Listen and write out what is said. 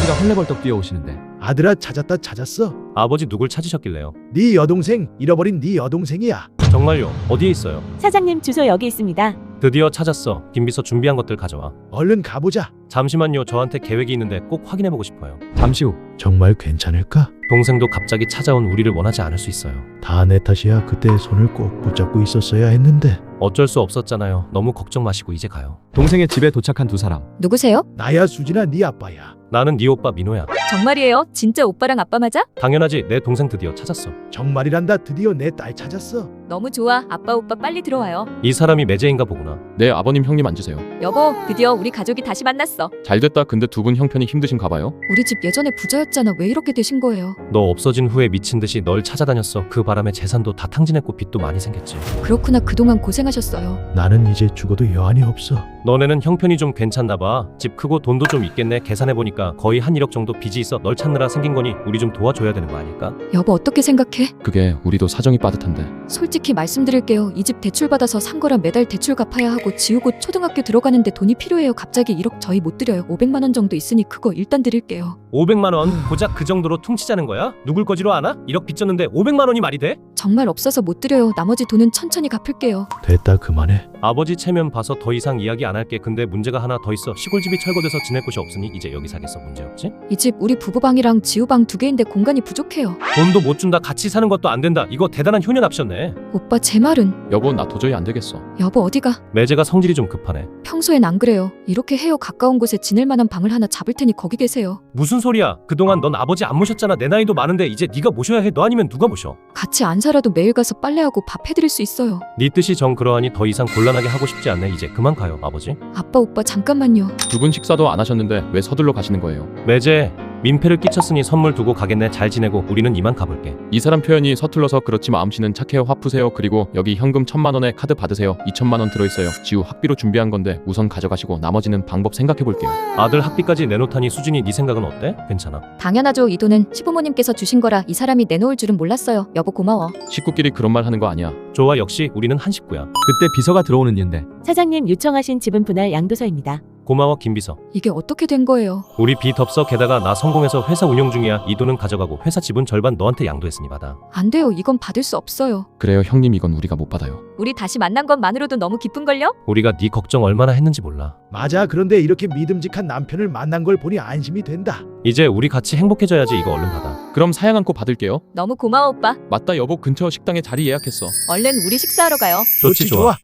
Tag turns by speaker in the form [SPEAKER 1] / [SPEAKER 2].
[SPEAKER 1] 아버지가 헐레벌떡 뛰어오시는데
[SPEAKER 2] 아들아, 찾았어.
[SPEAKER 3] 아버지 누굴 찾으셨길래요?
[SPEAKER 2] 네 여동생, 잃어버린 네 여동생이야.
[SPEAKER 3] 정말요? 어디에 있어요?
[SPEAKER 4] 사장님 주소 여기 있습니다.
[SPEAKER 3] 드디어 찾았어. 김비서 준비한 것들 가져와.
[SPEAKER 2] 얼른 가보자.
[SPEAKER 3] 잠시만요. 저한테 계획이 있는데 꼭 확인해보고 싶어요.
[SPEAKER 1] 잠시 후
[SPEAKER 2] 정말 괜찮을까?
[SPEAKER 3] 동생도 갑자기 찾아온 우리를 원하지 않을 수 있어요.
[SPEAKER 2] 다 내 탓이야. 그때 손을 꼭 붙잡고 있었어야 했는데.
[SPEAKER 3] 어쩔 수 없었잖아요. 너무 걱정 마시고 이제 가요.
[SPEAKER 1] 동생의 집에 도착한 두 사람.
[SPEAKER 4] 누구세요?
[SPEAKER 2] 나야, 수진아, 네 아빠야.
[SPEAKER 3] 나는 네 오빠 민호야.
[SPEAKER 4] 정말이에요? 진짜 오빠랑 아빠 맞아?
[SPEAKER 3] 당연하지. 내 동생 드디어 찾았어.
[SPEAKER 2] 정말이란다. 드디어 내 딸 찾았어.
[SPEAKER 4] 너무 좋아. 아빠 오빠 빨리 들어와요.
[SPEAKER 3] 이 사람이 매제인가 보구나.
[SPEAKER 5] 네, 아버님 형님 앉으세요.
[SPEAKER 4] 여보, 드디어 우리 가족이 다시 만났어.
[SPEAKER 5] 잘됐다. 근데 두 분 형편이 힘드신가 봐요.
[SPEAKER 4] 우리 집 예전에 부자였잖아. 왜 이렇게 되신 거예요?
[SPEAKER 3] 너 없어진 후에 미친 듯이 널 찾아다녔어. 그 바람에 재산도 다 탕진했고 빚도 많이 생겼지.
[SPEAKER 4] 그렇구나. 그동안 고생하셨어요.
[SPEAKER 2] 나는 이제 죽어도 여한이 없어.
[SPEAKER 3] 너네는 형편이 좀 괜찮나 봐. 집 크고 돈도 좀 있겠네. 계산해보니까 거의 한 1억 정도 빚이 있어. 널 찾느라 생긴 거니 우리 좀 도와줘야 되는 거 아닐까?
[SPEAKER 4] 여보, 어떻게 생각해?
[SPEAKER 5] 그게 우리도 사정이 빠듯한데.
[SPEAKER 4] 솔직히 말씀드릴게요. 이 집 대출 받아서 산 거라 매달 대출 갚아야 하고 지우고 초등학교 들어가는데 돈이 필요해요. 갑자기 1억 저희 못 드려요. 500만 원 정도 있으니 그거 일단 드릴게요.
[SPEAKER 3] 500만 원? 고작 그 정도로 퉁치자는 거야? 누굴 거지로 아나? 1억 빚졌는데 500만 원이 말이 돼?
[SPEAKER 4] 정말 없어서 못 드려요. 나머지 돈은 천천히 갚을게요.
[SPEAKER 2] 됐다, 그만해.
[SPEAKER 3] 아버지 체면 봐서 더 이상 이야기 안 할게. 근데 문제가 하나 더 있어. 시골집이 철거돼서 지낼 곳이 없으니 이제 여기 사겠어. 문제없지?
[SPEAKER 4] 이 집 우리 부부방이랑 지우방 2개인데 공간이 부족해요.
[SPEAKER 3] 돈도 못 준다. 같이 사는 것도 안 된다. 이거 대단한 효녀 납셨네.
[SPEAKER 4] 오빠 제 말은.
[SPEAKER 5] 여보, 나 도저히 안 되겠어.
[SPEAKER 4] 여보 어디가?
[SPEAKER 3] 매제가 성질이 좀 급하네.
[SPEAKER 4] 평소엔 안 그래요. 이렇게 해요. 가까운 곳에 지낼 만한 방을 하나 잡을 테니 거기 계세요.
[SPEAKER 3] 무슨 소리야? 그동안 넌 아버지 안 모셨잖아. 내 나이도 많은데 이제 네가 모셔야 해. 너 아니면 누가 모셔?
[SPEAKER 4] 같이 안 살아도 매일 가서 빨래하고 밥 해드릴 수 있어요.
[SPEAKER 3] 네 뜻이 정 그러하니 더 이상 곤란하게 하고 싶지 않네. 이제 그만 가요, 아버지.
[SPEAKER 4] 아빠 오빠 잠깐만요.
[SPEAKER 5] 두 분 식사도 안 하셨는데 왜 서둘러 가시는 거예요?
[SPEAKER 3] 매제 민폐를 끼쳤으니 선물 두고 가겠네. 잘 지내고 우리는 이만 가볼게.
[SPEAKER 5] 이 사람 표현이 서툴러서 그렇지 마음씨는 착해요. 화 푸세요. 그리고 여기 현금 1000만 원에 카드 받으세요. 2000만 원 들어있어요. 지우 학비로 준비한 건데 우선 가져가시고 나머지는 방법 생각해 볼게요.
[SPEAKER 3] 아들 학비까지 내놓다니 수진이 네 생각은 어때? 괜찮아?
[SPEAKER 4] 당연하죠. 이 돈은 시부모님께서 주신 거라 이 사람이 내놓을 줄은 몰랐어요. 여보 고마워.
[SPEAKER 5] 식구끼리 그런 말 하는 거 아니야.
[SPEAKER 3] 좋아. 역시 우리는 한 식구야.
[SPEAKER 1] 그때 비서가 들어오는 인데
[SPEAKER 4] 사장님 요청하신 지분 분할 양도서입니다.
[SPEAKER 3] 고마워 김비서.
[SPEAKER 4] 이게 어떻게 된 거예요?
[SPEAKER 3] 우리 빚 없어. 게다가 나 성공해서 회사 운영 중이야. 이 돈은 가져가고 회사 지분 절반 너한테 양도했으니 받아.
[SPEAKER 4] 안 돼요. 이건 받을 수 없어요.
[SPEAKER 5] 그래요 형님, 이건 우리가 못 받아요.
[SPEAKER 4] 우리 다시 만난 것만으로도 너무 기쁜걸요?
[SPEAKER 3] 우리가 네 걱정 얼마나 했는지 몰라.
[SPEAKER 2] 맞아. 그런데 이렇게 믿음직한 남편을 만난 걸 보니 안심이 된다.
[SPEAKER 3] 이제 우리 같이 행복해져야지. 이거 얼른 받아.
[SPEAKER 5] 그럼 사양 않고 받을게요.
[SPEAKER 4] 너무 고마워 오빠.
[SPEAKER 5] 맞다, 여보 근처 식당에 자리 예약했어.
[SPEAKER 4] 얼른 우리 식사하러 가요.
[SPEAKER 3] 좋지 좋아.